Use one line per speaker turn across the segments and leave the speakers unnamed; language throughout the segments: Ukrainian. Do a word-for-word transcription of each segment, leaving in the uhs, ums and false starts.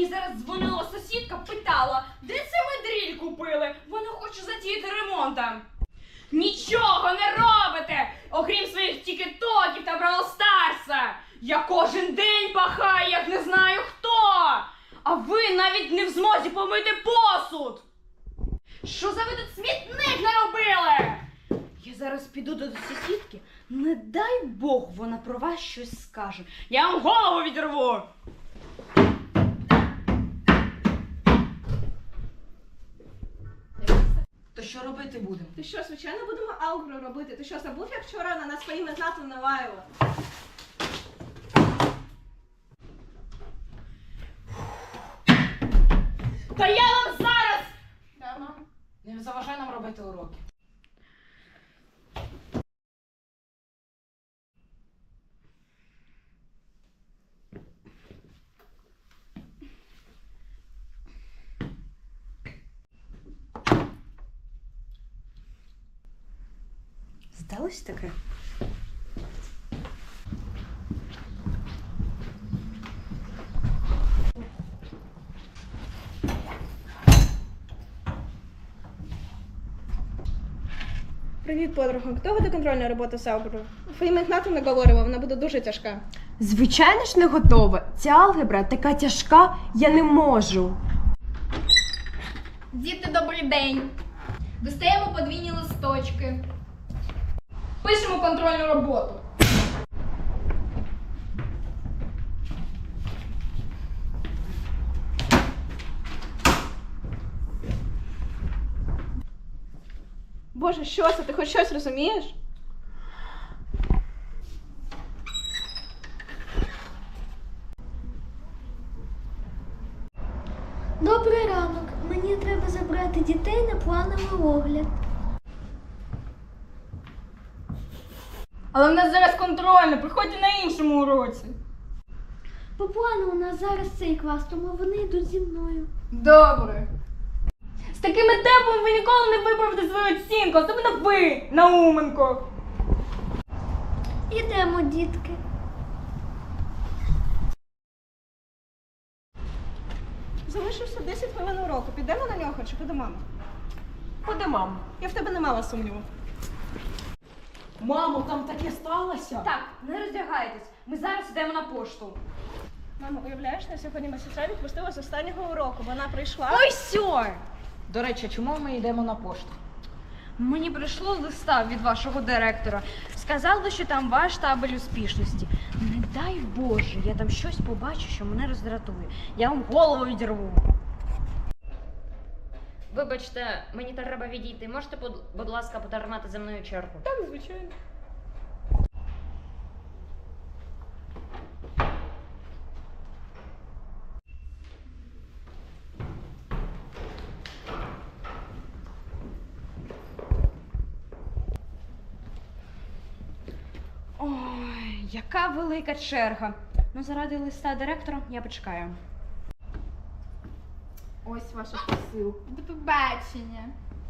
зараз дзвонила сусідка, питала, де це ви дріль купили? Вона хоче затіяти ремонтом. Нічого не робите, окрім своїх тікетоків та Бравл Старса. Я кожен день пахаю, як не знаю хто. А ви навіть не в змозі помити посуд. Що за ви тут смітник наробили? Я зараз піду до сусідки, не дай Бог вона про вас щось скаже. Я вам голову відірву.
То що робити будемо?
Ти що, звичайно, будемо алгебру робити? Ти що, забув, як вчора на нас своїми знатом наваїла?
Та я вам зараз!
Да, мам.
Не заважай нам робити уроки.
Здалось таке?
Привіт, подруга. Хто буде контрольна робота з алгеброю? Своїми знатом наговорила, вона буде дуже тяжка.
Звичайно ж не готова. Ця алгебра така тяжка, я не можу.
Діти, добрий день. Достаємо подвійні листочки. Пишемо контрольну роботу.
Боже, що це? Ти хоч щось розумієш?
Добрий ранок. Мені треба забрати дітей на плановий огляд.
Але в нас зараз контрольна, приходьте на іншому уроці.
По плану у нас зараз цей клас, тому вони йдуть зі мною.
Добре. З такими темпами ви ніколи не виправите свою оцінку, особливо ви, Науменко.
Ідемо, дітки.
Залишився десять хвилин уроку. Підемо на нього чи піде мама?
Куди, мам?
Я в тебе не мала сумніву.
Мамо, там таке сталося?
Так, не роздягайтесь, ми зараз йдемо на пошту.
Мамо, уявляєш, на сьогодні ми сестра відпустила з останнього уроку. Вона прийшла.
Ой, сьо!
До речі, чому ми йдемо на пошту?
Мені прийшло листа від вашого директора. Сказали, що там ваш табель успішності. Не дай Боже, я там щось побачу, що мене роздратує. Я вам голову відірву.
Вибачте, мені треба відійти. Можете, будь, будь ласка, потримати за мною чергу?
Так, звичайно.
Ой, яка велика черга. Ну, заради листа директора я почекаю.
Ось ваша посилка. До побачення.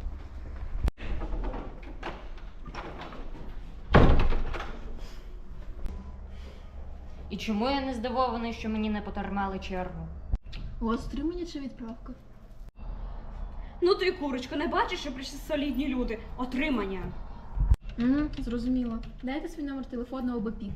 І чому я не здивований, що мені не потримали чергу?
У вас стримання чи відправка?
Ну ти, курочко, не бачиш, що прийшли солідні люди? Отримання.
Угу, зрозуміло. Дайте свій номер телефону або пік.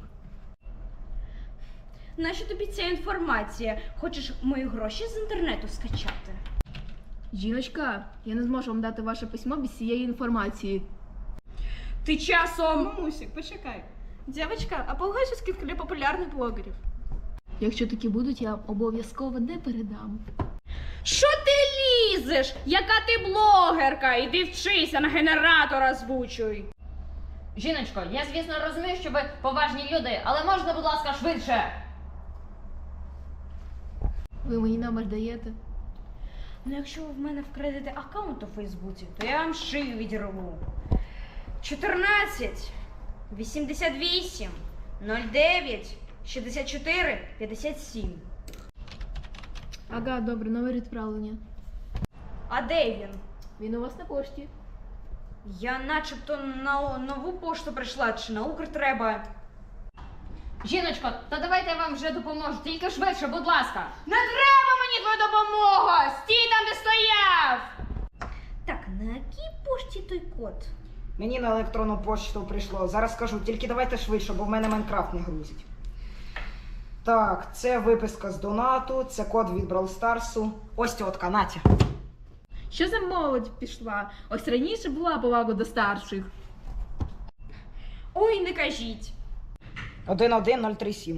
Нащо тобі ця інформація? Хочеш мої гроші з інтернету скачати?
Жіночка, я не зможу вам дати ваше письмо без цієї інформації.
Ти часом...
Мамусик, почекай. Дівчатка, а погаші скидки для популярних блогерів.
Якщо такі будуть, я обов'язково не передам.
Що ти лізеш? Яка ти блогерка? Іди вчися, на генератора озвучуй.
Жіночко, я, звісно, розумію, що ви поважні люди, але можна, будь ласка, швидше?
Ви мені номер даєте?
Ну, якщо ви в мене вкрадете аккаунт у Фейсбуці, то я вам шию відірву. чотирнадцять, вісімдесят вісім, нуль дев'ять, шістдесят чотири, п'ятдесят сім.
Ага, добре, номер відправлення.
А де він?
Він у вас на пошті.
Я начебто на нову пошту прийшла, чи на Укр треба.
Жіночко, та давайте я вам вже допоможу, тільки швидше, будь ласка.
Не треба мені твоя
Де той код?
Мені на електронну пошту прийшло. Зараз скажу, тільки давайте швидше, бо в мене Майнкрафт не грузить. Так, це виписка з донату, це код від Brawl Старсу. Ось тітка, Натя.
Що за молодь пішла? Ось раніше була повага до старших.
Ой, не кажіть.
один один нуль три сім.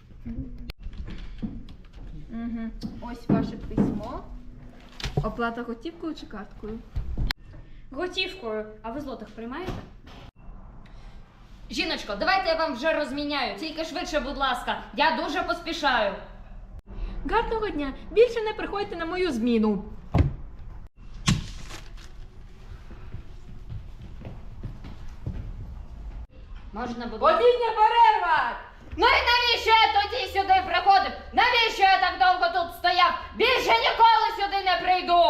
Угу. Ось ваше письмо. Оплата готівкою чи карткою?
Готівкою. А ви злотих приймаєте?
Жіночко, давайте я вам вже розміняю. Тільки швидше, будь ласка. Я дуже поспішаю.
Гарного дня! Більше не приходьте на мою зміну.
Можна, будь ласка.
Обідня перерва!
Ну і навіщо я тоді сюди приходив? Навіщо я так довго тут стояв? Більше ніколи сюди не прийду!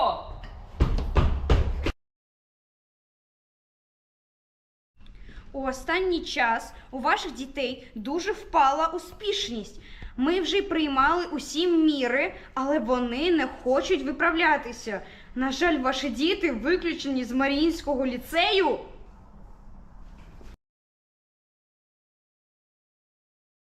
У останній час у ваших дітей дуже впала успішність. Ми вже й приймали усі міри, але вони не хочуть виправлятися. На жаль, ваші діти виключені з Маріїнського ліцею.